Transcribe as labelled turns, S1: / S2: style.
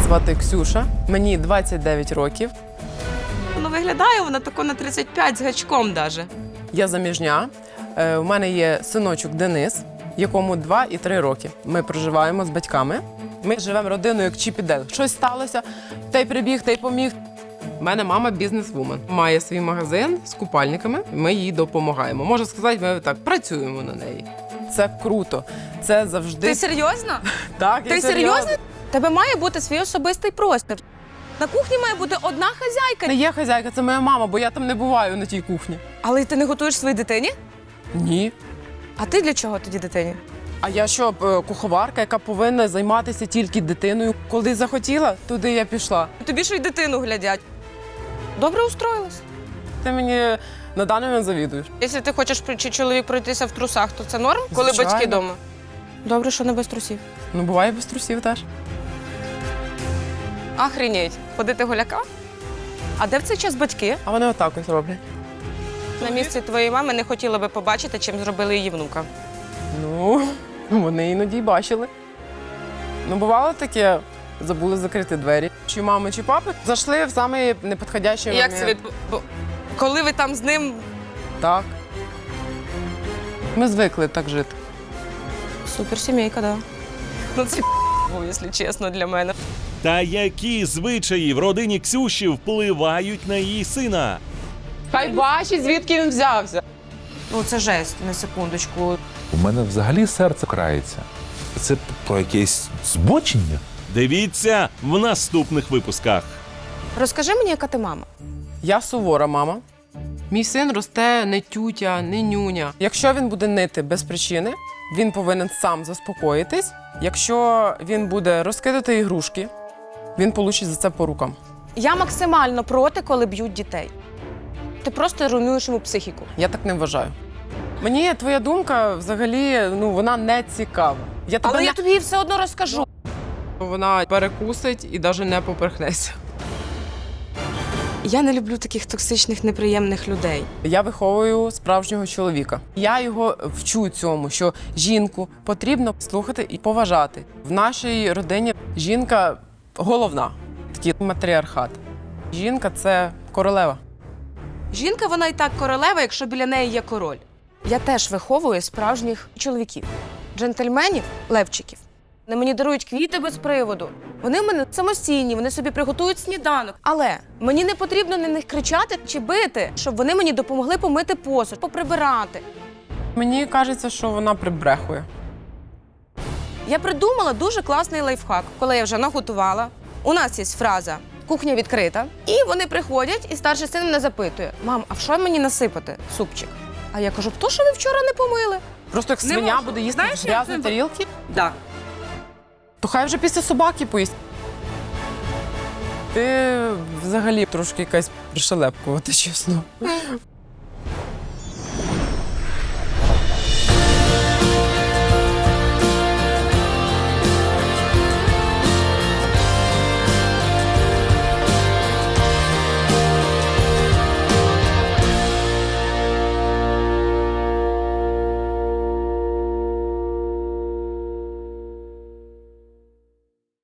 S1: звати Ксюша, мені 29 років.
S2: Ну, виглядає вона тако на 35 з гачком даже.
S1: Я заміжня. У мене є синочок Денис, якому 2 і 3 роки. Ми проживаємо з батьками. Ми живемо родиною як Чіп і Дейл. Щось сталося, той прибіг, той поміг. У мене мама бізнес-вумен. Має свій магазин з купальниками, ми їй допомагаємо. Можна сказати, ми так працюємо на неї. Це круто. Це завжди...
S2: Ти серйозно?
S1: Так, я
S2: Ти серйозно? Тебе має бути свій особистий простір. На кухні має бути одна хазяйка.
S1: Не є хазяйка, це моя мама, бо я там не буваю на тій кухні.
S2: Але ти не готуєш своїй дитині?
S1: Ні.
S2: А ти для чого тоді дитині?
S1: А я що, куховарка, яка повинна займатися тільки дитиною? Коли захотіла, туди я пішла.
S2: Тобі що й дитину глядять. Добре устроїлась.
S1: Ти мені на даний момент завідуєш.
S2: Якщо ти хочеш чи чоловік пройтися в трусах, то це норм, коли
S1: Звичайно.
S2: батьки вдома? Добре, що не без трусів.
S1: Ну, буває без трусів теж.
S2: Охренеть. Ходити голяка? А де в цей час батьки?
S1: А вони отак ось роблять.
S2: На місці твоєї мами не хотіла би побачити, чим зробили її внука.
S1: Ну, вони іноді й бачили. Ну, бувало таке, забули закрити двері. Чи мами, чи папи зайшли в самий непідходящий
S2: Як
S1: момент.
S2: це коли ви там з ним...
S1: Так. Ми звикли так жити.
S2: Суперсімейка, да. Ну це якщо чесно, для мене.
S3: Та які звичаї в родині Ксюші впливають на її сина?
S1: Хай бачить, звідки він взявся.
S2: Ну це жесть, на секундочку.
S4: У мене взагалі серце крається. Це про якесь збочення.
S3: Дивіться в наступних випусках.
S2: Розкажи мені, яка ти мама?
S1: Я сувора мама. Мій син росте не тютя, не нюня. Якщо він буде нити без причини, він повинен сам заспокоїтись. Якщо він буде розкидати ігрушки, він получить за це по рукам.
S2: Я максимально проти, коли б'ють дітей. Ти просто руйнуєш йому психіку.
S1: Я так не вважаю. Мені твоя думка взагалі, вона не цікава.
S2: Але я тобі її все одно розкажу.
S1: Вона перекусить і навіть не поперхнеться.
S2: Я не люблю таких токсичних, неприємних людей.
S1: Я виховую справжнього чоловіка. Я його вчу цьому, що жінку потрібно слухати і поважати. В нашій родині жінка головна, такий матріархат. Жінка – це королева.
S2: Жінка, вона і так королева, якщо біля неї є король. Я теж виховую справжніх чоловіків. Джентльменів, левчиків. Вони мені дарують квіти без приводу. Вони в мене самостійні, вони собі приготують сніданок. Але мені не потрібно на них кричати чи бити, щоб вони мені допомогли помити посуд, поприбирати.
S1: Мені кажеться, що вона прибрехує.
S2: Я придумала дуже класний лайфхак, коли я вже наготувала. У нас є фраза «кухня відкрита». І вони приходять, і старший син мене запитує: «Мам, а в що мені насипати? Супчик?» А я кажу: «То, що ви вчора не помили».
S1: Просто як
S2: Не
S1: свиня
S2: можу.
S1: буде їсти
S2: Знаєш,
S1: з
S2: як
S1: грязної
S2: це-
S1: тарілки,
S2: Да.
S1: то хай вже після собаки поїсть. Ти взагалі трошки якась пришелепкувата, чесно.